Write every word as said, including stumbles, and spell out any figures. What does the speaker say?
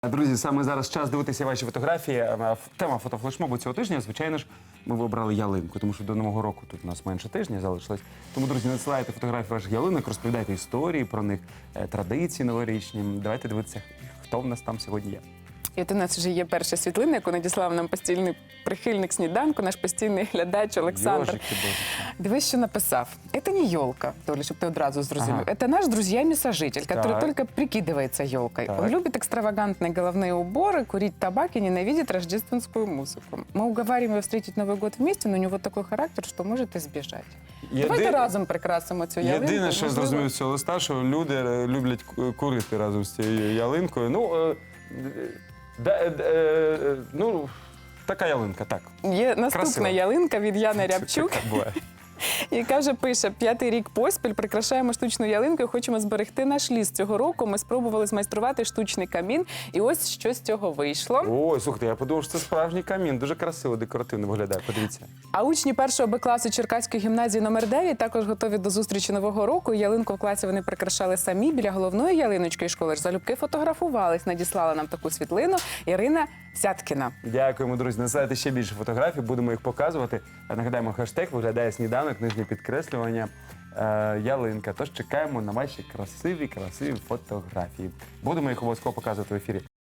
Друзі, саме зараз час дивитися ваші фотографії. Тема фотофлешмобу цього тижня, звичайно ж, ми вибрали ялинку, тому що до Нового року тут у нас менше тижня залишилось. Тому, друзі, надсилайте фотографії ваших ялинок, розповідайте історії про них, традиції новорічні. Давайте дивитися, хто в нас там сьогодні є. І от у нас вже є перша світлина, яку надіслав нам постійний прихильник сніданку, наш постійний глядач Олександр. Йожики, божики. Дивись, що написав. Это не елка, Толя, чтобы ты одразу зрозумел. Ага. Это наш друзья-месожитель, который Так. только прикидывается елкой. Так. Он любит экстравагантные головные уборы, курить табак и ненавидит рождественскую музыку. Мы уговариваем его встретить Новый год вместе, но у него такой характер, что может избежать. Єди- Давайте разом прикрасимо цю ялинку. Єдине, що я можливо. зрозумів з цього листа, що люди е, люблять ку- курити разом з цією ялинкою. Ну, е, да, е, е, ну, така ялинка, так. Є наступна Красиво. ялинка від Яни Рябчук, Така буває. яка вже пише: п'ятий рік поспіль прикрашаємо штучну ялинку і хочемо зберегти наш ліс. Цього року ми спробували змайструвати штучний камін, і ось що з цього вийшло. Ой, слухайте, я подумав, що це справжній камін. Дуже красиво, декоративно виглядає. Подивіться. А учні першого Б класу Черкаської гімназії номер дев'ять також готові до зустрічі Нового року. Ялинку в класі вони прикрашали самі. Біля головної ялиночки школи ж залюбки фотографувались. Надіслала нам таку світлину Ірина Сяткіна. Дякуємо, друзі. Насилайте ще більше фотографій, будемо їх показувати. Нагадаємо, хештег виглядає сніданок, нижнє підкреслювання, е, ялинка. Тож чекаємо на ваші красиві, красиві фотографії. Будемо їх обов'язково показувати в ефірі.